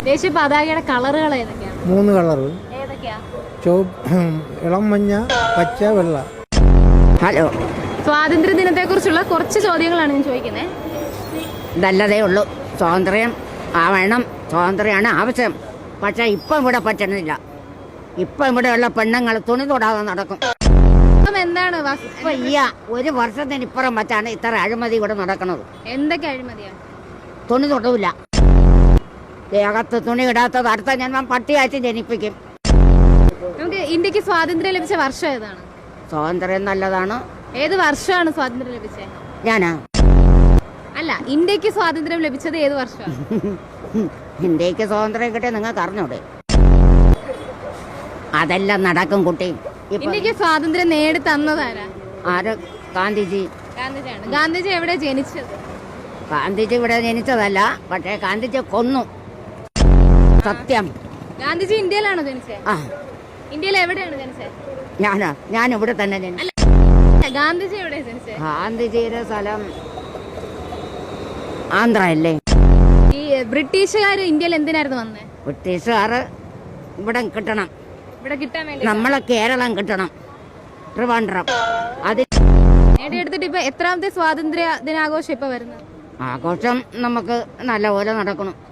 ദേശീയ പതാകയുടെ കളറുകൾ ഏതൊക്കെയാണ്? 3 കളർ. ഏതൊക്കെയാ? ഇളം മഞ്ഞ, പച്ച, വെള്ള. ഹലോ, സ്വാതന്ത്ര്യ ദിനത്തെ കുറിച്ചുള്ള കുറച്ച് ചോദ്യങ്ങളാണ് ഞാൻ ചോദിക്കുന്നത്. നല്ലതേ ഉള്ളൂ. സ്വാതന്ത്ര്യം ആവണം, സ്വാതന്ത്ര്യമാണ് ആവശ്യം. പക്ഷെ ഇപ്പം ഇവിടെ പറ്റണില്ല. ഇപ്പം ഇവിടെയുള്ള പെണ്ണുങ്ങൾ തുണി തൊടാതെ നടക്കും. എന്താണ് ഇപ്പൊ ഈ 1 വർഷത്തിന് ഇപ്പുറം വച്ചാണ് ഇത്ര അഴിമതി ഇവിടെ നടക്കുന്നത്. എന്തൊക്കെ അഴിമതിയാണ്? തുണി തൊടൂല. ദേഹത്ത് തുണി ഇടാത്തത് അടുത്ത ജന്മം പട്ടിയായിട്ട് ജനിപ്പിക്കും. നമുക്ക് ഇന്ത്യക്ക് സ്വാതന്ത്ര്യം ലഭിച്ച വർഷം ഏതാണ്? സ്വാതന്ത്ര്യം നല്ലതാണ്. ഏത് വർഷമാണ് സ്വാതന്ത്ര്യം ലഭിച്ചത്? ഞാനാ അല്ല, ഇന്ത്യക്ക് സ്വാതന്ത്ര്യം ലഭിച്ചത് ഏത് വർഷമാണ്? ഇന്ത്യക്ക് സ്വാതന്ത്ര്യം കിട്ടിയ നിങ്ങൾക്ക് അറിഞ്ഞൂടെ? അതെല്ലാം നടക്കും കുട്ടി. ഇന്ത്യക്ക് സ്വാതന്ത്ര്യം നേടി തന്നതാരാ? ആര്? ഗാന്ധിജി. ഗാന്ധിജിയാണ്. ഗാന്ധിജി എവിടെ ജനിച്ചത്? ഗാന്ധിജി ഇവിടെ ജനിച്ചതല്ല, പക്ഷേ ഗാന്ധിജി കൊന്നു. സത്യം. ഗാന്ധിജി ഇന്ത്യയിലാണോ ജനിച്ചത്? ആ, ഇന്ത്യയിൽ എവിടെയാണ് ജനിച്ചത്? ഞാൻ ഇവിടെ തന്നെ ജനിച്ചു. അല്ല, ഗാന്ധിജി എവിടെ ജനിച്ചത്? ഗാന്ധിജിയുടെ സ്ഥലം ആന്ധ്ര അല്ലേ? ഈ ബ്രിട്ടീഷുകാർ ഇന്ത്യയിൽ എന്തിനായിരുന്നു വന്നത്? ബ്രിട്ടീഷുകാർ ഇവിടെ കിട്ടണം, ഇവിടെ കിട്ടാൻ വേണ്ടി. നമ്മളെ കേരളം കിട്ടണം, ട്രിവാൻഡ്രം. അത് നേടിയെടുത്തിട്ട് ഇപ്പൊ എത്രാമത്തെ സ്വാതന്ത്ര്യ ദിനാഘോഷം ഇപ്പൊ വരുന്നത്? ആഘോഷം നമുക്ക് നല്ലപോലെ നടക്കണം.